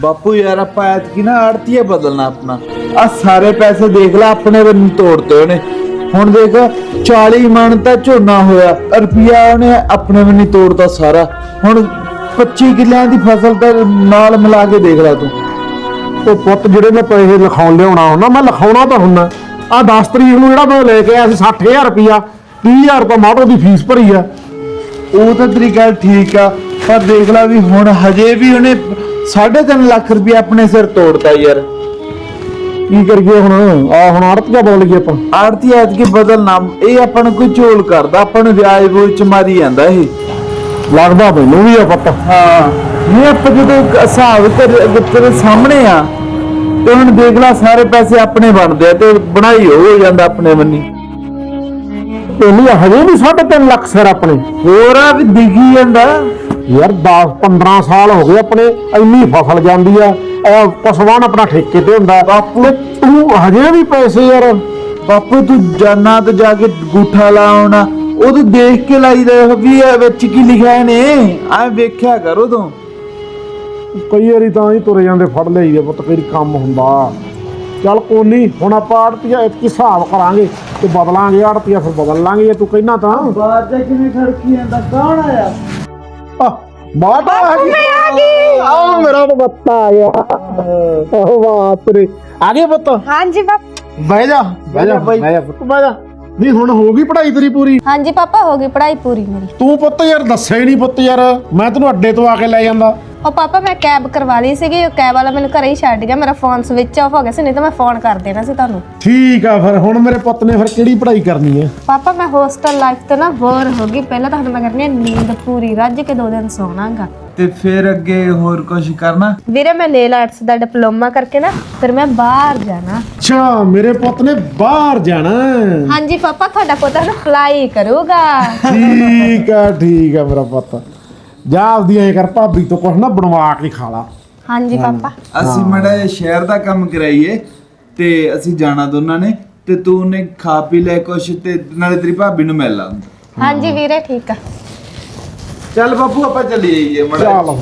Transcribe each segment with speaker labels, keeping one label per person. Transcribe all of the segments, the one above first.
Speaker 1: ਬਾਪੂ ਯਾਰ ਆਪਾਂ ਐਤਕੀ ਨਾ ਆੜਤੀਏ ਬਦਲਣਾ ਆਪਣਾ। ਆ ਸਾਰੇ ਪੈਸੇ ਦੇਖ ਲੈ ਆਪਣੇ ਵੱਲ ਤੋੜਤੇ ਉਹਨੇ। ਹੁਣ ਦੇਖ 40 ਮਣ ਤਾਂ ਝੋਨਾ ਹੋਇਆ, ਰੁਪਿਆ ਉਹਨੇ ਆਪਣੇ ਵੱਲ ਤੋੜਤਾ ਸਾਰਾ। ਹੁਣ 25 ਕਿੱਲਿਆਂ ਦੀ ਫਸਲ ਤਾਂ ਨਾਲ ਮਿਲਾ ਕੇ ਦੇਖ ਲੈ ਤੂੰ।
Speaker 2: ਉਹ ਪੁੱਤ ਜਿਹੜੇ ਮੈਂ ਪੈਸੇ ਲਿਖਾਉਣ ਲਿਆਉਣਾ ਹੁੰਦਾ, ਮੈਂ ਲਿਖਾਉਣਾ ਤਾਂ ਹੁੰਦਾ। ਆ 10 ਤਰੀਕ ਨੂੰ ਜਿਹੜਾ ਮੈਂ ਲੈ ਕੇ ਆਇਆ ਸੀ 60,000 ਰੁਪਇਆ, 30,000 ਰੁਪਇਆ ਮਾਟੋ ਦੀ ਫੀਸ ਭਰੀ ਆ।
Speaker 1: ਉਹ ਤਾਂ ਤੇਰੀ ਗੱਲ ਠੀਕ ਆ, ਪਰ ਦੇਖ ਲੈ ਵੀ ਹੁਣ ਹਜੇ ਵੀ ਉਹਨੇ 3.5 ਲੱਖ ਰੁਪਇਆ ਆਪਣੇ ਸਿਰ ਤੋੜਤਾ ਯਾਰ।
Speaker 2: ਕੀ ਕਰੀਏ ਹੁਣ? ਹੁਣ ਆੜਤੀਆ ਬੋਲ ਗਏ ਆਪਾਂ।
Speaker 1: ਆੜਤੀ ਐਤਕੀ ਬਦਲਣਾ, ਇਹ ਆਪਾਂ ਨੂੰ ਕੋਈ ਝੋਲ ਕਰਦਾ, ਆਪਾਂ ਨੂੰ ਵਿਆਜ ਬੋਝ ਚ ਮਾਰੀ ਜਾਂਦਾ ਇਹ।
Speaker 2: ਲੱਗਦਾ ਮੈਨੂੰ ਵੀ ਆ ਪੁੱਤ।
Speaker 1: ਹਾਂ ਨਹੀਂ ਆਪਾਂ ਜਦੋਂ ਹਿਸਾਬ ਤੇਰੇ ਸਾਹਮਣੇ ਆ ਤੇ ਹੁਣ ਦੇਖ ਲੈ ਸਾਰੇ ਪੈਸੇ ਆਪਣੇ ਬਣਦੇ ਆ ਤੇ ਬਣਾਈ ਹੋ ਜਾਂਦਾ ਆਪਣੇ ਬੰਨੀ।
Speaker 2: ਇਹਨੀ ਹਜੇ ਵੀ 3.5 ਲੱਖ ਸਿਰ ਆਪਣੇ।
Speaker 1: ਹੋਰ ਆ ਵੀ ਦਿਖੀ ਜਾਂਦਾ
Speaker 2: ਯਾਰ 10-15 ਸਾਲ ਹੋ ਗਏ ਆਪਣੇ, ਇੰਨੀ ਫਸਲ ਜਾਂਦੀ ਆ। ਪਸਵਾਨ ਆਪਣਾ ਠੇਕੇ ਤੇ ਹੁੰਦਾ।
Speaker 1: ਬਾਪੂ
Speaker 2: ਤੂੰ ਹਜੇ ਵੀ ਪੈਸੇ ਯਾਰ।
Speaker 1: ਬਾਪੂ ਤੂੰ ਜਾਨਾ ਤੇ ਜਾ ਕੇ ਗੂਠਾ ਲਾਉਣਾ, ਉਹ ਦੇਖ ਕੇ ਲਾਈਦਾ ਵੀ ਇਹ ਵਿੱਚ ਕੀ ਲਿਖਿਆ ਨੇ, ਐ ਵੇਖਿਆ ਕਰੋ ਤੂੰ।
Speaker 2: ਕਈ ਵਾਰੀ ਤਾਂ ਹੀ ਤੁਰੇ ਜਾਂਦੇ ਫੜ ਲਈਦੇ ਪੁੱਤ, ਕਈ ਕੰਮ ਹੁੰਦਾ। ਚੱਲ ਕੋਈ ਨਹੀਂ, ਹੁਣ ਆਪਾਂ ਆੜਤੀਆ ਇਤਕੀ ਹਿਸਾਬ ਕਰਾਂਗੇ ਤੇ ਬਦਲਾਂਗੇ। ਆੜਤੀਆ ਫਿਰ ਬਦਲ ਲਾਂਗੇ ਜੇ ਤੂੰ ਕਹਿਣਾ ਤਾਂ।
Speaker 1: ਬਾਹਰ ਜਾ ਕਿਵੇਂ ਖੜਕੀ ਜਾਂਦਾ? ਕੌਣ ਆਇਆ?
Speaker 2: ਬਾਤ ਆ ਗਈ। ਆ ਮੇਰਾ ਬੱਤਾ ਆਇਆ। ਉਹ ਬਾਤ ਰੇ ਆ ਗਏ ਪੁੱਤ।
Speaker 3: ਹਾਂਜੀ ਪਾਪਾ।
Speaker 2: ਬਹਿ ਜਾ ਬਹਿ ਜਾ ਬਹਿ ਜਾ ਪੁੱਤ ਬਹਿ ਜਾ। ਨਹੀਂ ਹੁਣ ਹੋ ਗਈ ਪੜ੍ਹਾਈ ਤੇਰੀ ਪੂਰੀ?
Speaker 3: ਹਾਂਜੀ ਪਾਪਾ, ਹੋ ਗਈ ਪੜ੍ਹਾਈ ਪੂਰੀ ਮੇਰੀ।
Speaker 2: ਤੂੰ ਪੁੱਤ ਯਾਰ ਦੱਸਿਆ ਹੀ ਨਹੀਂ ਪੁੱਤ। ਯਾਰ ਮੈਂ ਤੈਨੂੰ ਅੱਡੇ ਤੋਂ ਆ ਕੇ ਲੈ ਜਾਂਦਾ।
Speaker 3: ਉਹ ਪਾਪਾ ਮੈਂ ਕੈਬ ਕਰਵਾ ਲਈ ਸੀਗੀ, ਉਹ ਕੈਬ ਵਾਲਾ ਮੈਨੂੰ ਘਰੇ ਹੀ ਛੱਡ ਗਿਆ। ਮੇਰਾ ਫੋਨ ਸਵਿਚ ਆਫ ਹੋ ਗਿਆ ਸੀ, ਨਹੀਂ ਤਾਂ ਮੈਂ ਫੋਨ ਕਰ ਦੇਣਾ ਸੀ ਤੁਹਾਨੂੰ।
Speaker 2: ਠੀਕ ਆ, ਫਿਰ ਹੁਣ ਮੇਰੇ ਪੁੱਤ ਨੇ ਫਿਰ ਕਿਹੜੀ ਪੜ੍ਹਾਈ ਕਰਨੀ ਹੈ?
Speaker 3: ਪਾਪਾ ਮੈਂ ਹੋਸਟਲ ਲਾਈਫ ਤੋਂ ਨਾ ਬੋਰ ਹੋ ਗਈ। ਪਹਿਲਾਂ ਤਾਂ ਹੁਣ ਮੈਂ ਕਰਨੀ ਹੈ ਨੀਂਦ ਪੂਰੀ, ਰੱਜ ਕੇ 2 ਦਿਨ ਸੌਣਾਗਾ।
Speaker 1: ਤੇ ਫਿਰ ਅੱਗੇ ਹੋਰ ਕੁਝ ਕਰਨਾ?
Speaker 3: ਵੀਰੇ ਮੈਂ ਨੇਲ ਆਰਟਸ ਦਾ ਡਿਪਲੋਮਾ ਕਰਕੇ ਨਾ ਫਿਰ ਮੈਂ ਬਾਹਰ ਜਾਣਾ।
Speaker 2: ਅੱਛਾ ਮੇਰੇ ਪੁੱਤ ਨੇ ਬਾਹਰ ਜਾਣਾ।
Speaker 3: ਹਾਂਜੀ ਪਾਪਾ, ਤੁਹਾਡਾ ਪੁੱਤ ਨਾ ਅਪਲਾਈ ਕਰੂਗਾ।
Speaker 2: ਠੀਕ ਆ ਮੇਰਾ ਪੁੱਤ। ਜਾ ਆਪਦੀ ਐ ਕਰ, ਭਾਬੀ ਤੋਂ ਕੁਛ ਨਾ ਬਣਵਾ ਕੇ ਖਾ ਲਾ।
Speaker 3: ਹਾਂਜੀ ਪਾਪਾ।
Speaker 1: ਅਸੀਂ ਮੜਾ ਸ਼ਹਿਰ ਦਾ ਕੰਮ ਕਰਾਈਏ ਤੇ ਅਸੀਂ ਜਾਣਾ ਦੋਨਾਂ ਨੇ, ਤੇ ਤੂੰ ਨੇ ਖਾ ਪੀ ਲੈ ਕੁਛ ਤੇ ਨਾਲੇ ਤੇਰੀ ਭਾਬੀ ਨੂੰ ਮਿਲ ਲਾ।
Speaker 3: ਹਾਂਜੀ ਵੀਰੇ ਠੀਕ ਆ।
Speaker 1: ਚੱਲ ਬਾਪੂ ਆਪਾਂ ਚੱਲੀ ਜਾਈਏ ਮੜਾ।
Speaker 2: ਚੱਲ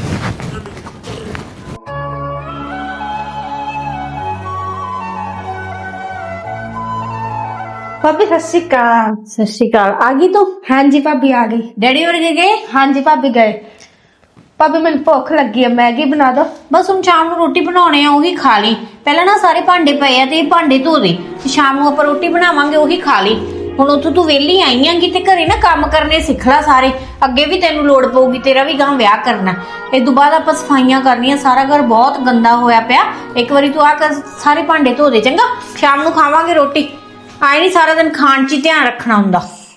Speaker 4: ਭਾਬੀ ਸਤਿ ਸ਼੍ਰੀ ਅਕਾਲ।
Speaker 3: ਸਤਿ ਸ਼੍ਰੀ ਅਕਾਲ। ਆ ਗਈ ਤੂੰ? ਹਾਂਜੀ ਭਾਬੀ ਆ ਗਈ।
Speaker 4: ਡੈਡੀ ਵਰਗੇ ਗਏ?
Speaker 3: ਹਾਂਜੀ ਭਾਬੀ ਗਏ। ਭਾਬੀ ਮੈਨੂੰ ਭੁੱਖ ਲੱਗੀ ਆ, ਮੈਗੀ ਬਣਾ ਦੋ।
Speaker 4: ਬਸ ਹੁਣ ਸ਼ਾਮ ਨੂੰ ਰੋਟੀ ਬਣਾਉਣੇ ਆ, ਉਹੀ ਖਾ ਲਈ। ਪਹਿਲਾਂ ਨਾ ਸਾਰੇ ਭਾਂਡੇ ਪਏ ਆ ਤੇ ਇਹ ਭਾਂਡੇ ਧੋ ਦੇ, ਸ਼ਾਮ ਨੂੰ ਆਪਾਂ ਰੋਟੀ ਬਣਾਵਾਂਗੇ, ਉਹੀ ਖਾ ਲਈ। ਹੁਣ ਉੱਥੋਂ ਤੂੰ ਵਿਹਲੀ ਆਈ ਆਂਗੀ ਤੇ ਘਰੇ ਨਾ ਕੰਮ ਕਰਨੇ ਸਿੱਖ ਲੈ ਸਾਰੇ। ਅੱਗੇ ਵੀ ਤੈਨੂੰ ਲੋੜ ਪਊਗੀ, ਤੇਰਾ ਵੀ ਗਾਂ ਵਿਆਹ ਕਰਨਾ। ਇਸ ਤੋਂ ਬਾਅਦ ਆਪਾਂ ਸਫਾਈਆਂ ਕਰਨੀਆਂ, ਸਾਰਾ ਘਰ ਬਹੁਤ ਗੰਦਾ ਹੋਇਆ ਪਿਆ। ਇੱਕ ਵਾਰੀ ਤੂੰ ਆ ਕਰ ਸਾਰੇ ਭਾਂਡੇ ਧੋ ਦੇ, ਚੰਗਾ? ਸ਼ਾਮ ਨੂੰ ਖਾਵਾਂਗੇ ਰੋਟੀ। ਆਏ ਨਹੀਂ ਸਾਰਾ ਦਿਨ ਖਾਣ 'ਚ ਹੀ ਧਿਆਨ ਰੱਖਣਾ ਹੁੰਦਾ।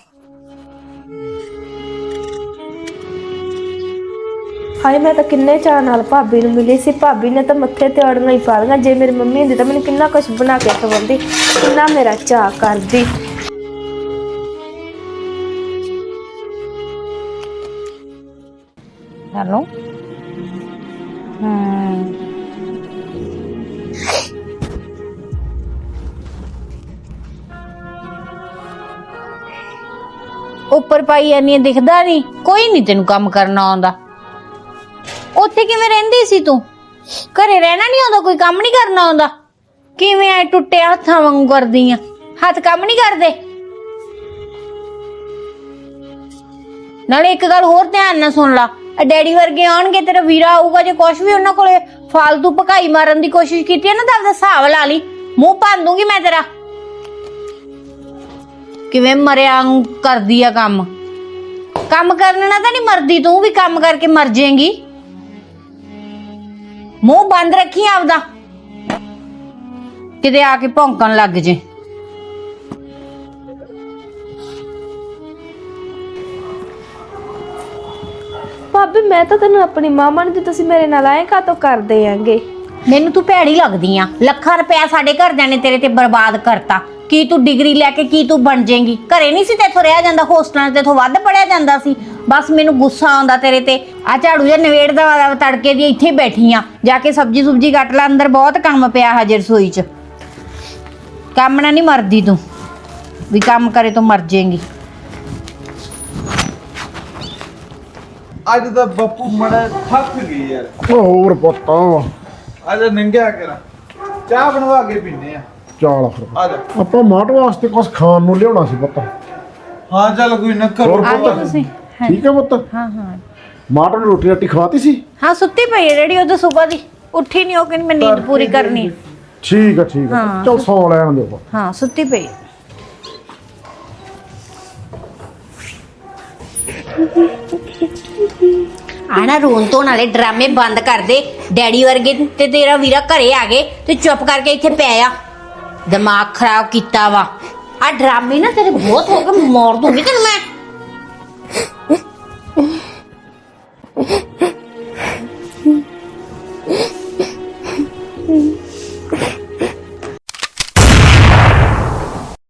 Speaker 3: ਹਾਏ ਮੈਂ ਤਾਂ ਕਿੰਨੇ ਚਾਅ ਨਾਲ ਭਾਬੀ ਨੂੰ ਮਿਲੀ ਸੀ। ਭਾਬੀ ਨੇ ਤਾਂ ਮੱਥੇ ਤੇ ਅੜੀਆਂ ਹੀ ਪਾ ਲਈਆਂ। ਜੇ ਮੇਰੀ ਮੰਮੀ ਹੁੰਦੀ ਤਾਂ ਮੈਨੂੰ ਕਿੰਨਾ ਕੁਛ ਬਣਾ ਕੇ ਖਵਾਉਂਦੀ, ਕਿੰਨਾ ਮੇਰਾ ਚਾਅ ਕਰਦੀ।
Speaker 4: ਹੈਲੋ। ਉੱਪਰ ਪਾਈ ਜਾਨੀ ਦਿਖਦਾ ਨਹੀਂ? ਕੋਈ ਨਹੀਂ ਤੈਨੂੰ ਕੰਮ ਕਰਨਾ ਆਉਂਦਾ। ਉੱਥੇ ਕਿਵੇਂ ਰਹਿੰਦੀ ਸੀ ਤੂੰ? ਘਰੇ ਰਹਿਣਾ ਨਹੀਂ ਆਉਂਦਾ? ਕੋਈ ਕੰਮ ਨਹੀਂ ਕਰਨਾ ਆਉਂਦਾ? ਕਿਵੇਂ ਐ ਟੁੱਟੇ ਹੱਥਾਂ ਵਾਂਗੂ ਕਰਦੀ ਆ? ਹੱਥ ਕੰਮ ਨਹੀਂ ਕਰਦੇ? ਨਾਲੇ ਇੱਕ ਗੱਲ ਹੋਰ ਧਿਆਨ ਨਾਲ ਸੁਣ ਲਾ, ਡੈਡੀ ਵਰਗੇ ਆਉਣਗੇ, ਤੇਰਾ ਵੀਰਾ ਆਊਗਾ, ਜੇ ਕੁਛ ਵੀ ਉਹਨਾਂ ਕੋਲੇ ਫਾਲਤੂ ਭਕਾਈ ਮਾਰਨ ਦੀ ਕੋਸ਼ਿਸ਼ ਕੀਤੀ ਹੈ ਨਾ ਤਾਂ ਆਪਦਾ ਹਿਸਾਬ ਲਾ ਲਈ। ਮੂੰਹ ਭੰਨ ਦੂੰਗੀ ਮੈਂ ਤੇਰਾ। ਕਿਵੇਂ ਮਰਿਆ ਕਰਦੀ ਆ ਕੰਮ। ਕੰਮ ਕਰਨ ਨਾਲ ਤਾਂ ਨਹੀਂ ਮਰਦੀ, ਤੂੰ ਵੀ ਕੰਮ ਕਰਕੇ ਮਰ ਜਾਏਂਗੀ। ਮੂੰਹ ਬੰਦ ਰੱਖੀ ਆਪਦਾ, ਕਿਤੇ ਆ ਕੇ ਭੌਂਕਣ ਲੱਗ ਜੇ।
Speaker 3: ਭਾਬੀ ਮੈਂ ਤਾਂ ਤੈਨੂੰ ਆਪਣੀ ਮਾਮਾ ਨੂੰ, ਤੁਸੀਂ ਮੇਰੇ ਨਾਲ ਆਏ ਕਾਤੋਂ ਕਰਦੇ ਆਂਗੇ?
Speaker 4: ਮੈਨੂੰ ਤੂੰ ਭੈੜੀ ਲੱਗਦੀ ਆ। ਲੱਖਾਂ ਰੁਪਇਆ ਸਾਡੇ ਘਰਦਿਆਂ ਨੇ ਤੇਰੇ ਤੇ ਬਰਬਾਦ ਕਰਤਾ। ਕੀ ਤੂੰ ਡਿਗਰੀ ਲੈ ਕੇ ਕੀ ਤੂੰ ਬਣ ਜਾਏਂਗੀ? ਘਰੇ ਨਹੀਂ ਸੀ ਤੇਥੋਂ ਰਿਹਾ ਜਾਂਦਾ, ਹੋਸਟਲਾਂ ਤੇ ਤੋਂ ਵੱਧ ਪੜਿਆ ਜਾਂਦਾ ਸੀ। ਬਸ ਮੈਨੂੰ ਗੁੱਸਾ ਆਉਂਦਾ ਤੇਰੇ ਤੇ। ਆ ਝਾੜੂ ਜਿਹਾ ਨਵੇੜ ਦਾ ਤੜਕੇ ਦੀ ਇੱਥੇ ਬੈਠੀ ਆ, ਜਾ ਕੇ ਸਬਜੀ ਸੁਬਜੀ ਕੱਟ ਲੈ, ਅੰਦਰ ਬਹੁਤ ਕੰਮ ਪਿਆ ਹਜੇ ਰਸੋਈ 'ਚ। ਕੰਮ ਨਾ ਨਹੀਂ ਮਰਦੀ ਤੂੰ, ਵੀ ਕੰਮ ਕਰੇ ਤੋਂ ਮਰ ਜਾਏਂਗੀ।
Speaker 1: ਅੱਜ ਤਾਂ ਬਾਪੂ ਮੜਾ ਥੱਕ ਗਈ ਯਾਰ।
Speaker 2: ਓ ਹੋਰ ਪੁੱਤ
Speaker 1: ਅੱਜ ਨੰਗਿਆ ਕਰਾਂ, ਚਾਹ ਬਣਵਾ ਕੇ ਪੀਨੇ ਆ।
Speaker 2: ਚੱਲ ਫਿਰ
Speaker 1: ਆ ਜਾ।
Speaker 2: ਆਪਾਂ ਮਾਟ ਵਾਸਤੇ ਕੁਝ ਖਾਣ ਨੂੰ ਲਿਆਉਣਾ ਸੀ ਪੁੱਤ।
Speaker 1: ਹਾਂ ਚੱਲ ਕੋਈ ਨਾ ਕਰੋ।
Speaker 2: ਹੋਰ ਪੁੱਤ ਠੀਕ ਹੈ ਪੁੱਤ?
Speaker 4: ਹਾਂ ਹਾਂ
Speaker 2: ਮਾਟ ਨੂੰ ਰੋਟੀ ਰਾਟੀ ਖਵਾਤੀ ਸੀ?
Speaker 4: ਹਾਂ ਸੁੱਤੀ ਪਈ ਹੈ ਡੈਡੀ, ਉਹ ਤਾਂ ਸਵੇਰ ਦੀ ਉੱਠੀ ਨਹੀਂ, ਉਹ ਕਹਿੰਦੀ ਮੈਂ ਨੀਂਦ ਪੂਰੀ ਕਰਨੀ।
Speaker 2: ਠੀਕ ਹੈ
Speaker 4: ਹਾਂ।
Speaker 2: ਚਲ ਸੌ ਲੈਣ ਦਿਓ।
Speaker 4: ਹਾਂ ਸੁੱਤੀ ਪਈ। ਆਣਾ ਰੋਣ ਤੋਂ ਨਾਲੇ ਡਰਾਮੇ ਬੰਦ ਕਰ ਦੇ। ਡੈਡੀ ਵਰਗੇ ਤੇ ਤੇਰਾ ਵੀਰਾ ਘਰੇ ਆ ਗਏ ਤੇ ਚੁੱਪ ਕਰਕੇ ਇੱਥੇ ਪੈ ਆ। ਦਿਮਾਗ ਖਰਾਬ ਕੀਤਾ ਵਾ। ਆ ਡਰਾਮੇ ਨਾ ਤੇਰੇ ਬਹੁਤ ਹੋ ਗਏ, ਮਾਰ ਦੂੰਗੀ ਤੈਨੂੰ ਮੈਂ।